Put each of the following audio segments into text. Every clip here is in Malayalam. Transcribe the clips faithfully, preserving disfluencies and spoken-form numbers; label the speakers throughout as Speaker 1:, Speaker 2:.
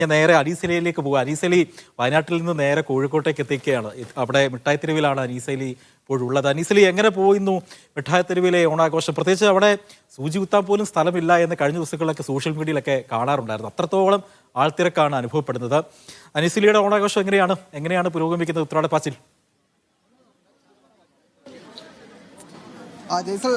Speaker 1: നേരെ അനീസലിയിലേക്ക് പോകുക. അനീസലി വയനാട്ടിൽ നിന്ന് നേരെ കോഴിക്കോട്ടേക്ക് എത്തിക്കുകയാണ്. അവിടെ മിഠായി തെരുവിലാണ് അനീസലി ഇപ്പോഴുള്ളത്. അനീസലി എങ്ങനെ പോയിരുന്നു മിഠായി തെരുവിലെ ഓണാഘോഷം? പ്രത്യേകിച്ച് അവിടെ സൂചി കുത്താൻ പോലും സ്ഥലമില്ല എന്ന് കഴിഞ്ഞ ദിവസങ്ങളിലൊക്കെ സോഷ്യൽ മീഡിയയിലൊക്കെ കാണാറുണ്ടായിരുന്നു. അത്രത്തോളം ആൾത്തിരക്കാണ് അനുഭവപ്പെടുന്നത്. അനീസലിയുടെ ഓണാഘോഷം എങ്ങനെയാണ് എങ്ങനെയാണ് പുരോഗമിക്കുന്നത് ഉത്രാടപ്പാച്ചിൽ?
Speaker 2: ജയ്സൽ,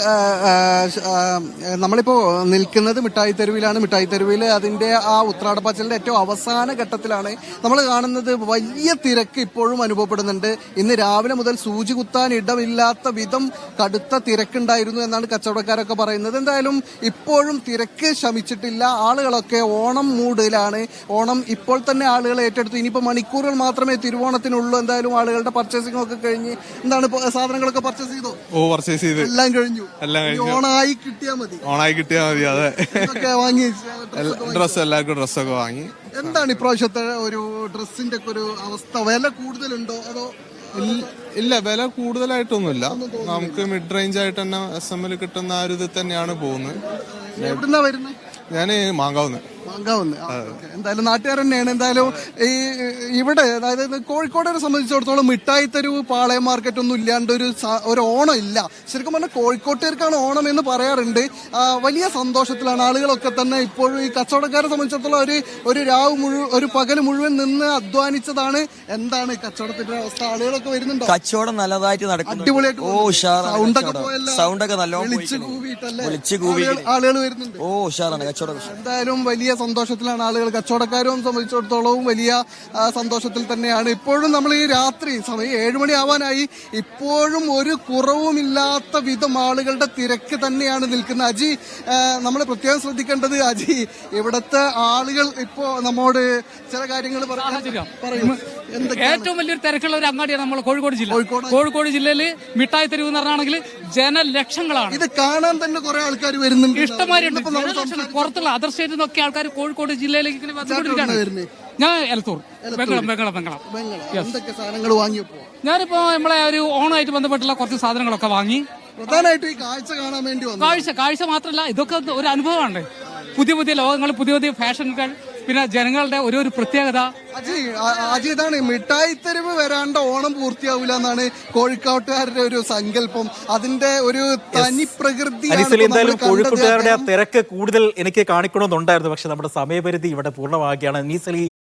Speaker 2: നമ്മളിപ്പോൾ നിൽക്കുന്നത് മിഠായി തെരുവിലാണ്. മിഠായി തെരുവിൽ അതിൻ്റെ ആ ഉത്രാടപ്പാച്ചിലിൻ്റെ ഏറ്റവും അവസാന ഘട്ടത്തിലാണ് നമ്മൾ കാണുന്നത്. വലിയ തിരക്ക് ഇപ്പോഴും അനുഭവപ്പെടുന്നുണ്ട്. ഇന്ന് രാവിലെ മുതൽ സൂചി കുത്താൻ ഇടമില്ലാത്ത വിധം കടുത്ത തിരക്കുണ്ടായിരുന്നു എന്നാണ് കച്ചവടക്കാരൊക്കെ പറയുന്നത്. എന്തായാലും ഇപ്പോഴും തിരക്ക് ശമിച്ചിട്ടില്ല. ആളുകളൊക്കെ ഓണം മൂഡിലാണ്. ഓണം ഇപ്പോൾ തന്നെ ആളുകൾ ഏറ്റെടുത്തു. ഇനിയിപ്പോൾ മണിക്കൂറുകൾ മാത്രമേ തിരുവോണത്തിനുള്ളൂ. എന്തായാലും ആളുകളുടെ പർച്ചേസിംഗ് ഒക്കെ കഴിഞ്ഞ് എന്താണ് സാധനങ്ങളൊക്കെ പർച്ചേസ് ചെയ്തോ?
Speaker 3: ഓ പർച്ചേസ് ചെയ്ത്
Speaker 2: എല്ലാം കഴിഞ്ഞു.
Speaker 3: എല്ലാം കഴിഞ്ഞു.
Speaker 2: ഓണായി കിട്ടിയാ മതി.
Speaker 3: ഓണായി കിട്ടിയാ മതി. അതെ,
Speaker 2: വാങ്ങി
Speaker 3: ഡ്രസ്സ് എല്ലാവർക്കും ഡ്രസ്സൊക്കെ വാങ്ങി.
Speaker 2: എന്താണ് ഇപ്രാവശ്യത്തെ ഒരു ഡ്രസ്സിന്റെ ഒക്കെ ഒരു അവസ്ഥ? വില കൂടുതലുണ്ടോ അതോ?
Speaker 3: ഇല്ല, വില കൂടുതലായിട്ടൊന്നുമില്ല. നമുക്ക് മിഡ് റേഞ്ച് ആയിട്ട് തന്നെ എസ് എം എൽ കിട്ടുന്ന ആ ഒരു ഇത് തന്നെയാണ് പോകുന്നത്.
Speaker 2: എവിടുന്നാ വരുന്നത്?
Speaker 3: ഞാന് മാങ്കാവുന്ന്.
Speaker 2: മാങ്കാവുന്ന്. എന്തായാലും നാട്ടുകാർ തന്നെയാണ്. എന്തായാലും ഈ ഇവിടെ അതായത് കോഴിക്കോടിനെ സംബന്ധിച്ചിടത്തോളം മിഠായി തെരുവ് പാളയം മാർക്കറ്റ് ഒന്നും ഇല്ലാണ്ട് ഒരു ഒരു ഓണം ഇല്ല. ശരിക്കും പറഞ്ഞാൽ കോഴിക്കോട്ടുകാർക്കാണ് ഓണം എന്ന് പറയാറുണ്ട്. വലിയ സന്തോഷത്തിലാണ് ആളുകളൊക്കെ തന്നെ. ഇപ്പോഴും ഈ കച്ചവടക്കാരെ സംബന്ധിച്ചിടത്തോളം ഒരു ഒരു രാവ് മുഴുവൻ ഒരു പകൽ മുഴുവൻ നിന്ന് അധ്വാനിച്ചതാണ്. എന്താണ് കച്ചവടത്തിന്റെ അവസ്ഥ? ആളുകളൊക്കെ വരുന്നുണ്ടോ?
Speaker 4: കച്ചവടം നല്ലതായിട്ട് നടക്കുന്നു.
Speaker 2: അടിപൊളിയായിട്ട്.
Speaker 4: ഓ
Speaker 2: സൗണ്ടൊക്കെ പോയല്ലോ.
Speaker 4: സൗണ്ടൊക്കെ നല്ലോണം
Speaker 2: വിളിച്ചു കൂവിയിട്ടല്ലേ
Speaker 4: വിളിച്ചു കൂവി
Speaker 2: ആളുകൾ വരുന്നുണ്ട്.
Speaker 4: ഓ ഉഷാറാണ് കച്ചവടം.
Speaker 2: എന്തായാലും വലിയ സന്തോഷത്തിലാണ് ആളുകൾ. കച്ചവടക്കാരും സംബന്ധിച്ചിടത്തോളവും വലിയ സന്തോഷത്തിൽ തന്നെയാണ്. ഇപ്പോഴും നമ്മൾ ഈ രാത്രി സമയം ഏഴുമണി ആവാനായി ഇപ്പോഴും ഒരു കുറവുമില്ലാത്ത വിധം ആളുകളുടെ തിരക്ക് തന്നെയാണ് നിൽക്കുന്നത്. അജി, നമ്മൾ പ്രത്യേകം ശ്രദ്ധിക്കേണ്ടത്, അജി ഇവിടുത്തെ ആളുകൾ ഇപ്പോ നമ്മോട് ചില കാര്യങ്ങൾ പറയും.
Speaker 5: ഏറ്റവും വലിയൊരു തിരക്കുള്ള ഒരു അങ്ങാടിയാണ് നമ്മൾ കോഴിക്കോട് ജില്ല. കോഴിക്കോട് ജില്ലയിൽ മിഠായി തെരുവ് എന്ന് പറഞ്ഞാണെങ്കിൽ ജനലക്ഷങ്ങളാണ്.
Speaker 2: ഇത് കാണാൻ തന്നെ കുറെ ആൾക്കാർ വരുന്നുണ്ട്.
Speaker 5: ഇഷ്ടമാരുണ്ട്. പുറത്തുള്ള അതർ സ്റ്റേറ്റിൽ നിന്നൊക്കെ ആൾക്കാർ കോഴിക്കോട് ജില്ലയിലേക്ക് ഇങ്ങനെ വന്നുകൊണ്ടിരിക്കുകയാണ്. ഞാൻ എലത്തൂർ, ബംഗളം ബംഗളം ബംഗളം
Speaker 2: എന്തൊക്കെ സാധനങ്ങൾ വാങ്ങിയപ്പോ?
Speaker 5: ഞാനിപ്പോ നമ്മളെ ഒരു ഓണമായിട്ട് ബന്ധപ്പെട്ടുള്ള കുറച്ച് സാധനങ്ങളൊക്കെ വാങ്ങി.
Speaker 2: പ്രധാനമായിട്ടും ഈ കാഴ്ച കാണാൻ വേണ്ടി വന്നു.
Speaker 5: കാഴ്ച കാഴ്ച മാത്രമല്ല, ഇതൊക്കെ ഒരു അനുഭവമാണ്. പുതിയ പുതിയ ലോകങ്ങൾ, പുതിയ പുതിയ ഫാഷനുകൾ, പിന്നെ ജനങ്ങളുടെ ഒരു ഒരു പ്രത്യേകത.
Speaker 2: അജി അജി ഇതാണ് മിഠായി തെരുവ് വരാണ്ട് ഓണം പൂർത്തിയാവില്ല എന്നാണ് കോഴിക്കോട്ടുകാരുടെ ഒരു സങ്കല്പം. അതിന്റെ ഒരു തനി പ്രകൃതി.
Speaker 1: എന്തായാലും കോഴിക്കോട്ടുകാരുടെ ആ തിരക്ക് കൂടുതൽ എനിക്ക് കാണിക്കണമെന്നുണ്ടായിരുന്നു. പക്ഷെ നമ്മുടെ സമയപരിധി ഇവിടെ പൂർണ്ണമാക്കുകയാണ്. അനീസലി